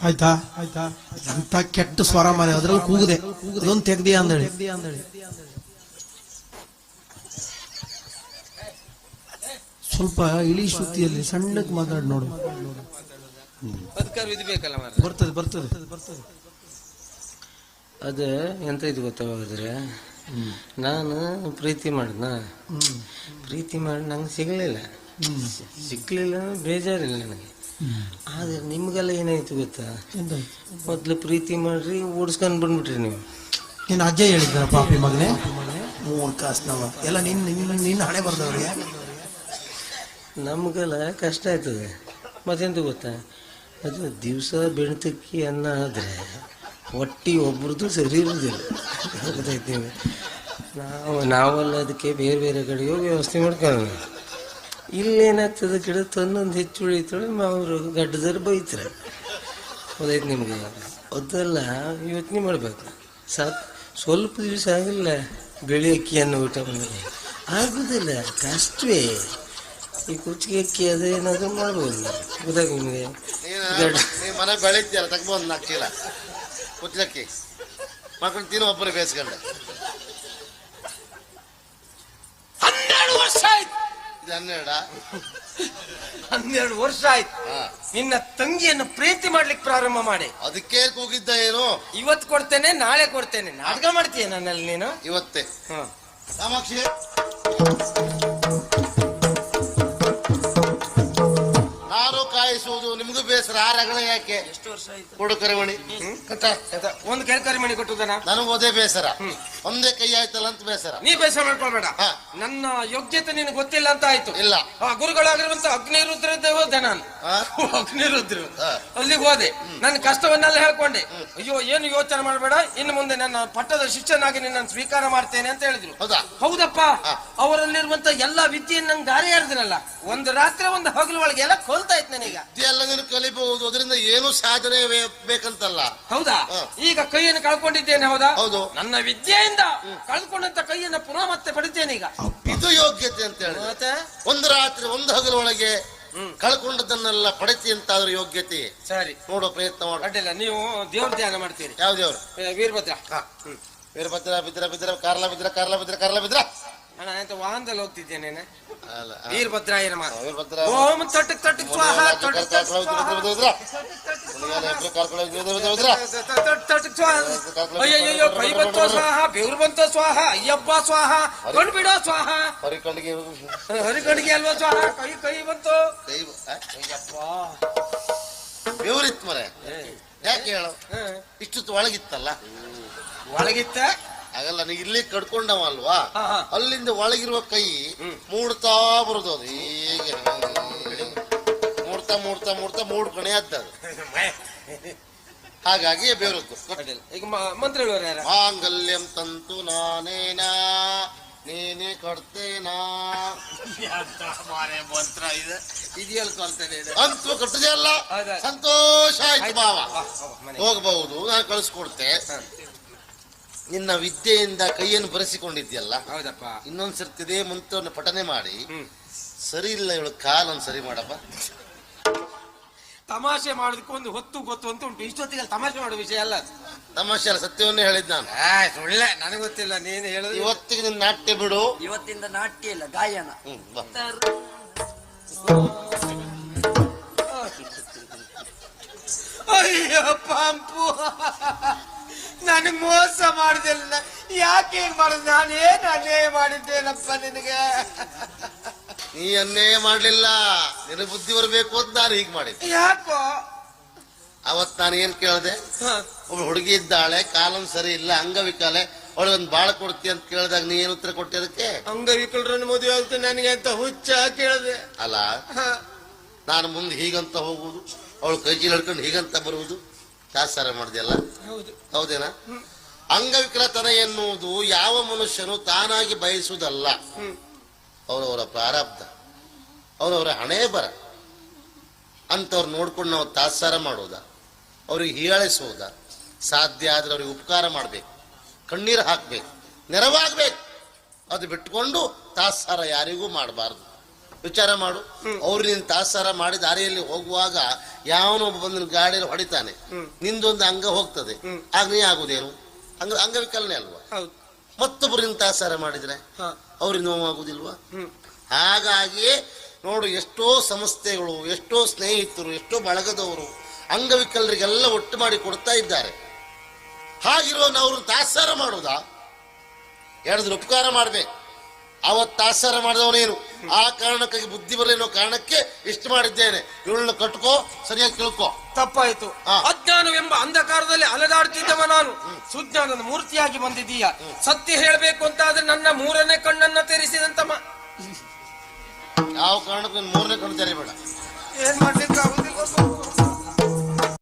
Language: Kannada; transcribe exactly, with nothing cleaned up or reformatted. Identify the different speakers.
Speaker 1: ಆಯ್ತಾ ಆಯ್ತಾ ಅಂತ ಕೆಟ್ಟ ಸ್ವರ ಮಾರಿ ಅದ್ರಲ್ಲಿ ಕೂಗಿದೆ ಅದೊಂದು ತೆಗ್ದಿಯಾ ಅಂದೇಳಿ ಸ್ವಲ್ಪ ಇಳಿ ಶ್ರುತಿಯಲ್ಲಿ ಸಣ್ಣಕ್ಕೆ ಮಾತಾಡಿ ನೋಡು. ಬರ್ತದೆ ಬರ್ತದೆ ಬರ್ತದೆ
Speaker 2: ಅದು ಎಂತ ಇದು ಗೊತ್ತಾದ್ರೆ ನಾನು ಪ್ರೀತಿ ಮಾಡಿದ್ನ ಪ್ರೀತಿ ಮಾಡಿ ನಂಗೆ ಸಿಗಲಿಲ್ಲ ಸಿಗ್ಲಿಲ್ಲ ಬೇಜಾರಿಲ್ಲ ನನಗೆ. ಆದ್ರೆ ನಿಮ್ಗೆಲ್ಲ ಏನಾಯ್ತು ಗೊತ್ತಾ, ಮೊದ್ಲು ಪ್ರೀತಿ ಮಾಡ್ರಿ ಓಡಿಸ್ಕೊಂಡು ಬಂದ್ಬಿಟ್ರಿ ನೀವು.
Speaker 1: ನೀನು ಅಜ್ಜ ಹೇಳಿದ್ರ ಪಾಪಿ ಮಗನೇ ಮೂರು ಕಾಸ್ನವ ಎಲ್ಲ ನಿನ್ನ ನಿನ್ನ ನಿನ್ನ ಹಣೆ ಬರ್ದವ್ರಿಗೆ.
Speaker 2: ನಮ್ಗೆಲ್ಲ ಕಷ್ಟ ಆಯ್ತದೆ. ಮತ್ತೆಂತ ಗೊತ್ತಾ, ಅದು ದಿವಸ ಬೆಣ್ತಕ್ಕಿ ಅನ್ನ ಆದರೆ ಹೊಟ್ಟಿ ಒಬ್ರದ್ದು ಸರಿ ಇರೋದಿಲ್ಲ. ಗೊತ್ತಾಯ್ತೀವಿ ನಾವು ನಾವೆಲ್ಲ ಅದಕ್ಕೆ ಬೇರೆ ಬೇರೆ ಕಡೆಗೆ ಹೋಗಿ ವ್ಯವಸ್ಥೆ ಮಾಡ್ಕೊಳ್ಳೋಣ. ಇಲ್ಲೇನಾಗ್ತದೆ ಗಿಡ ತಂದೊಂದು ಹೆಚ್ಚು ಉಳಿತಾಳೆ ಅವರು ಗಡ್ಡದಾರ ಬೈತಾರೆ. ಹೌದಾಯ್ತು ನಿಮಗೆ ಅದೆಲ್ಲ ಯೋಚನೆ ಮಾಡಬೇಕು. ಸಾಕು ಸ್ವಲ್ಪ ದಿವಸ ಆಗಿಲ್ಲ ಬಿಳಿ ಅಕ್ಕಿಯನ್ನು ಊಟ ಮಾಡಿದ್ರೆ ಆಗೋದಿಲ್ಲ, ಕಷ್ಟವೇ. ಈ ಕುಚ್ಚಿಗೆ ಅಕ್ಕಿ ಅದೇನಾದ್ರೂ ಮಾಡ್ಬೋದು. ಗೊತ್ತಾಗ ನಿಮಗೆ
Speaker 3: ಮನೆ ಬೆಳಿತೀಯಲ್ಲ ತಗೊಂಡು ನಾಲ್ಕು ಚೀಲ ಕುಚ್ಚಲಕ್ಕಿ ಮಾಡ್ಕೊಂಡು ತಿನ್ನೋ ಒಬ್ಬರು ಬೇಯಿಸ್ಕೊಂಡೆ.
Speaker 2: ಹನ್ನೆರಡು ವರ್ಷ ಆಯ್ತು.
Speaker 3: ಇದು ಹನ್ನೆರಡ
Speaker 2: ಹನ್ನೆರಡು ವರ್ಷ ಆಯ್ತು ನಿನ್ನ ತಂಗಿಯನ್ನು ಪ್ರೀತಿ ಮಾಡ್ಲಿಕ್ಕೆ ಪ್ರಾರಂಭ ಮಾಡಿ.
Speaker 3: ಅದಕ್ಕೆ ಹೋಗಿದ್ದ ಏನು?
Speaker 2: ಇವತ್ತು ಕೊಡ್ತೇನೆ ನಾಳೆ ಕೊಡ್ತೇನೆ ನಾಟಕ ಮಾಡ್ತೀಯ ನನ್ನಲ್ಲಿ ನೀನು.
Speaker 3: ಇವತ್ತೇ ಕಾಮಾಕ್ಷಿ ನಾರು ಕಾಯಿಸುವುದು ನಿಮ್ಗೂ ಬೇಸರ. ಆ ರಗಳೆ ಯಾಕೆ?
Speaker 2: ಎಷ್ಟು ವರ್ಷ ಆಯ್ತು
Speaker 3: ಕೊಡು ಕರಿಮಣಿ.
Speaker 2: ಒಂದು ಕೈ ಕರಿಮಣಿ ಕೊಟ್ಟುದನ
Speaker 3: ನನಗೂ ಅದೇ ಬೇಸರ. ಒಂದೇ ಕೈ ಆಯ್ತಲ್ಲ ಅಂತ ಬೇಸರ.
Speaker 2: ನೀ ಬೇಸರ ಮಾಡ್ಕೊಳ್ಬೇಡ. ನನ್ನ ಯೋಗ್ಯತೆ ನಿನಗೆ ಗೊತ್ತಿಲ್ಲ ಅಂತ ಆಯ್ತು.
Speaker 3: ಇಲ್ಲ
Speaker 2: ಗುರುಗಳಾಗಿರುವಂತ ಅಗ್ನಿರುದ್ರ ಹೋದೆ ನಾನು. ಅಗ್ನಿರುದ್ರ ಅಲ್ಲಿಗೆ ಹೋದೆ. ನನ್ನ ಕಷ್ಟವನ್ನೆಲ್ಲ ಹೇಳ್ಕೊಂಡೆ. ಅಯ್ಯೋ ಏನು ಯೋಚನೆ ಮಾಡಬೇಡ, ಇನ್ನು ಮುಂದೆ ನನ್ನ ಪಟ್ಟದ ಶಿಷ್ಯನಾಗಿ ನಿನ್ನ ಸ್ವೀಕಾರ ಮಾಡ್ತೇನೆ ಅಂತ ಹೇಳಿದ್ರು.
Speaker 3: ಹೌದಾ?
Speaker 2: ಹೌದಪ್ಪ. ಅವರಲ್ಲಿರುವಂತ ಎಲ್ಲಾ ವಿದ್ಯೆಯನ್ನು ನಂಗೆ ದಾರಿ ಹೇಳಿದ್ನಲ್ಲ, ಒಂದು ರಾತ್ರಿ ಒಂದು ಹಗಲು ಒಳಗೆ ಎಲ್ಲ ಕೊಲ್ತಾ ಇತ್ತು ನನಗ.
Speaker 3: ಎಲ್ಲ ನೀನು ಕಲಿಬಹುದು, ಅದರಿಂದ ಏನು ಸಾಧನೆ ಬೇಕಂತಲ್ಲ.
Speaker 2: ಹೌದಾ? ಈಗ ಕೈಯನ್ನು ಕಳ್ಕೊಂಡಿದ್ದೇನೆ. ಹೌದಾ?
Speaker 3: ಹೌದು.
Speaker 2: ನನ್ನ ವಿದ್ಯೆಯಿಂದ ಕಳ್ಕೊಂಡಂತ ಕೈಯನ್ನು ಪುನಃ ಮತ್ತೆ ಪಡಿತೇನೆ ಈಗ.
Speaker 3: ಇದು ಯೋಗ್ಯತೆ ಅಂತ ಹೇಳಿ.
Speaker 2: ಮತ್ತೆ ಒಂದು
Speaker 3: ರಾತ್ರಿ ಒಂದು ಹಗಲು ಒಳಗೆ ಕಳ್ಕೊಂಡದನ್ನೆಲ್ಲ ಪಡಿತಿ ಅಂತ ಆದ್ರೆ ಯೋಗ್ಯತೆ.
Speaker 2: ಸರಿ,
Speaker 3: ನೋಡೋ ಪ್ರಯತ್ನ ಮಾಡ.
Speaker 2: ಅಡ್ಡಿಲ್ಲ. ನೀವು ದೇವ್ರ ಧ್ಯಾನ ಮಾಡ್ತೀರಿ.
Speaker 3: ಯಾವ ದೇವ್ರು?
Speaker 2: ವೀರಭದ್ರ.
Speaker 3: ವೀರಭದ್ರ ಬಿದ್ರ ಬಿದ್ರ ಕಾರ್ಲ ಬಿದ್ರ ಕಾರ್ಲ ಬಿದ್ರ ಕಾರ್ಲ ಬಿದ್ರ
Speaker 2: ಅಣ್ಣ ಅಂತ ವಾಹನದಲ್ಲಿ ಹೋಗ್ತಿದ್ದೇನೆ. ವೀರಭದ್ರಾಯ ನಮಃ.
Speaker 3: ವೀರಭದ್ರ
Speaker 2: ಓಂ ತಟಕ್ ತಟಕ್ ಸ್ವಾಹ ತಟಕ್ ತಟಕ್ ಸ್ವಾಹ. ಅಯ್ಯಯ್ಯೋ ಕೈ ಬಂತೋ ಸ್ವಾಹ, ಬೆವರು ಬಂತೋ ಸ್ವಾಹ, ಅಯ್ಯಪ್ಪ ಸ್ವಾಹ, ಕಣ್ ಬಿಡೋ ಸ್ವಾಹ.
Speaker 3: ಹರಿಕಂಡಿಗೆ
Speaker 2: ಹರಿಕಂಡಿಗೆ ಅಲ್ವಾ ಸ್ವಾಹ? ಕೈ ಕೈ ಬಂತು.
Speaker 3: ಅಯ್ಯಪ್ಪ ಬೆವರಿತ್ ಮರೆ. ಯಾಕೆ ಹೇಳು? ಇಷ್ಟು ಒಳಗಿತ್ತಲ್ಲ.
Speaker 2: ಒಳಗಿತ್ತ
Speaker 3: ಹಾಗಲ್ಲ, ನೀ ಇಲ್ಲಿ ಕಡ್ಕೊಂಡವ ಅಲ್ವಾ, ಅಲ್ಲಿಂದ ಒಳಗಿರುವ ಕೈ ಮೂಡ್ತಾ ಬರುದು. ಅದು ಹೀಗೆ ಮೂಡ್ತಾ ಮೂಡ್ತಾ ಮೂಡ್ತಾ ಮೂಡ್ ಕಣೆ ಅದ್ದು. ಹಾಗಾಗಿ ಬೇರದ್ದು.
Speaker 2: ಈಗ ಮಂತ್ರ ಹೇಳುವರು ಯಾರ?
Speaker 3: ಮಾಂಗಲ್ಯಂ ತಂತು ನಾನೇನಾ ನೀನೇ ಕೊಡ್ತೇನಾ ಮಂತ್ರ ಇದೆ.
Speaker 2: ಇದೆಯಲ್ಲಿ ಕೊಡ್ತೇನೆ
Speaker 3: ಅಂತೂ ಕಟ್ಟದೆ ಅಲ್ಲ. ಸಂತೋಷ ಆಯ್ತು ಬಾವ, ಹೋಗಬಹುದು, ನಾನು ಕಳಿಸ್ಕೊಡ್ತೆ. ನಿನ್ನ ವಿದ್ಯೆಯಿಂದ ಕೈಯನ್ನು ಬರೆಸಿಕೊಂಡಿದ್ಯಲ್ಲ.
Speaker 2: ಹೌದಪ್ಪ.
Speaker 3: ಇನ್ನೊಂದ್ಸರ್ತಿದೇ ಮಂತ್ರವನ್ನು ಪಠನೆ ಮಾಡಿ ಸರಿ ಇಲ್ಲ ಇವಳು ಕಾಲನ್ನು ಸರಿ ಮಾಡಪ್ಪ.
Speaker 2: ತಮಾಷೆ ಮಾಡೋದಕ್ಕೆ ಒಂದು ಹೊತ್ತು ಗೊತ್ತು ಅಂತ ಉಂಟು. ಇಷ್ಟೊತ್ತಿಗೆ ತಮಾಷೆ ಮಾಡೋ ವಿಷಯ ಅಲ್ಲ.
Speaker 3: ತಮಾಷೆ ಅಲ್ಲ, ಸತ್ಯವನ್ನೇ ಹೇಳಿದ್ ನಾನು.
Speaker 2: ಸುಳ್ಳೆ, ನನಗೆ ಗೊತ್ತಿಲ್ಲ. ನೀನು ಹೇಳುದು
Speaker 3: ಇವತ್ತಿಗೆ ನಿನ್ನ ನಾಟ್ಯ ಬಿಡು.
Speaker 4: ಇವತ್ತಿಂದ ನಾಟ್ಯ ಇಲ್ಲ, ಗಾಯನ.
Speaker 2: ಅಯ್ಯೋ ಪಾಂಪು, ನನಗೆ ಮೋಸ ಮಾಡಿದಿಲ್ಲ. ಯಾಕೆ ಹೇಗೆ ಮಾಡುದು? ನಾನೇನು ಅನ್ಯಾಯ ಮಾಡಿದ್ದೇನಪ್ಪ ನಿನಗೆ?
Speaker 3: ನೀ ಅನ್ಯಾಯ ಮಾಡ್ಲಿಲ್ಲ, ನಿನ್ನ ಬುದ್ಧಿ ಬರಬೇಕು ಅಂತ ನಾನು ಹೀಗೆ ಮಾಡಿದ್ದೆ.
Speaker 2: ಯಾಕೋ?
Speaker 3: ಅವತ್ ನಾನು ಏನ್ ಕೇಳ್ದೆ, ಒಬ್ಬ ಹುಡುಗಿ ಇದ್ದಾಳೆ, ಕಾಲನ್ ಸರಿ ಇಲ್ಲ, ಅಂಗವಿಕಲೆ, ಅವಳೊಂದು ಬಾಳ ಕೊಡ್ತಿ ಅಂತ ಕೇಳಿದಾಗ ನೀ ಏನು ಉತ್ತರ ಕೊಟ್ಟೆ ಅದಕ್ಕೆ?
Speaker 2: ಅಂಗವಿಕಲರನ್ನು ಮದುವೆ ಆಗುತ್ತೆ ನನಗೆ ಅಂತ ಹುಚ್ಚ ಕೇಳಿದೆ.
Speaker 3: ಅಲ್ಲ, ನಾನು ಮುಂದೆ ಹೀಗಂತ ಹೋಗುವುದು, ಅವಳು ಕೈ ಚೀಲ ಹಿಡ್ಕೊಂಡು ಹೀಗಂತ ಬರುವುದು, ದಾಸಾರ ಮಾಡಿದೆಯಲ್ಲ. ಹೌದೇನಾ? ಅಂಗವಿಕಲತನ ಎನ್ನುವುದು ಯಾವ ಮನುಷ್ಯನು ತಾನಾಗಿ ಬಯಸುವುದಲ್ಲ. ಅವರವರ ಪ್ರಾರಬ್ಧ, ಅವರವರ ಹಣೆ ಬರ. ಅಂತವ್ರು ನೋಡ್ಕೊಂಡು ನಾವು ತಾತ್ಸಾರ ಮಾಡೋದ, ಅವ್ರಿಗೆ ಹೀಯಾಳಿಸೋದ? ಸಾಧ್ಯ ಆದ್ರೆ ಅವ್ರಿಗೆ ಉಪಕಾರ ಮಾಡ್ಬೇಕು, ಕಣ್ಣೀರು ಹಾಕ್ಬೇಕು, ನೆರವಾಗ್ಬೇಕು. ಅದು ಬಿಟ್ಕೊಂಡು ತಾತ್ಸಾರ ಯಾರಿಗೂ ಮಾಡಬಾರ್ದು. ವಿಚಾರ ಮಾಡು. ಅವ್ರು ನೀನು ತಾತ್ಸಾರ ಮಾಡಿ ದಾರಿಯಲ್ಲಿ ಹೋಗುವಾಗ ಯಾವನೊಬ್ಬ ಬಂದು ಗಾಡಿಯಲ್ಲಿ ಹೊಡಿತಾನೆ, ನಿಂದೊಂದು ಅಂಗ ಹೋಗ್ತದೆ, ಆಗ ನೀ ಆಗುದೇನು? ಅಂಗ ಅಂಗವಿಕಲನೆ ಅಲ್ವಾ? ಮತ್ತೊಬ್ರು ನಿನ್ ತಾತ್ಸಾರ ಮಾಡಿದ್ರೆ ಅವ್ರಿಗೆ ನೋವಾಗುದಿಲ್ವಾ? ಹಾಗಾಗಿಯೇ ನೋಡು, ಎಷ್ಟೋ ಸಂಸ್ಥೆಗಳು, ಎಷ್ಟೋ ಸ್ನೇಹಿತರು, ಎಷ್ಟೋ ಬಳಗದವರು ಅಂಗವಿಕಲರಿಗೆಲ್ಲ ಒಟ್ಟು ಮಾಡಿ ಕೊಡ್ತಾ ಇದ್ದಾರೆ. ಹಾಗಿರೋನು ಅವ್ರನ್ನ ತಾತ್ಸಾರ ಮಾಡುವುದಾ? ಹೇಳಿದ್ರೆ ಉಪಕಾರ ಮಾಡ್ಬೇಕು. ಅವತ್ತು ತಾತ್ಸಾರ ಮಾಡಿದವನೇನು, ಆ ಕಾರಣಕ್ಕಾಗಿ ಬುದ್ಧಿ ಬರಲೇನೋ ಕಾರಣಕ್ಕೆ ಇಷ್ಟು ಮಾಡಿದ್ದೇನೆ, ಇವಳನ್ನ ಕಟ್ಕೋ, ಸರಿಯಾಗಿ ತಿಳ್ಕೋ.
Speaker 2: ತಪ್ಪಾಯ್ತು. ಅಜ್ಞಾನವೆಂಬ ಅಂಧಕಾರದಲ್ಲಿ ಅಲೆದಾಡ್ತಿದ್ದವ ನಾನು ಸುಜ್ಞಾನದ ಮೂರ್ತಿಯಾಗಿ ಬಂದಿದ್ದೀಯ. ಸತ್ಯ ಹೇಳಬೇಕು ಅಂತ ಆದ್ರೆ ನನ್ನ ಮೂರನೇ ಕಣ್ಣನ್ನ ತೆರೆಸಿದಂತ
Speaker 3: ಯಾವ ಕಾರಣಕ್ಕೂ ಮೂರನೇ ಕಣ್ಣು ತೆರಿಬೇಡ.
Speaker 2: ಏನ್ ಮಾಡ್ಲಿಕ್ಕೆ ಆಗುದಿಲ್ಲ.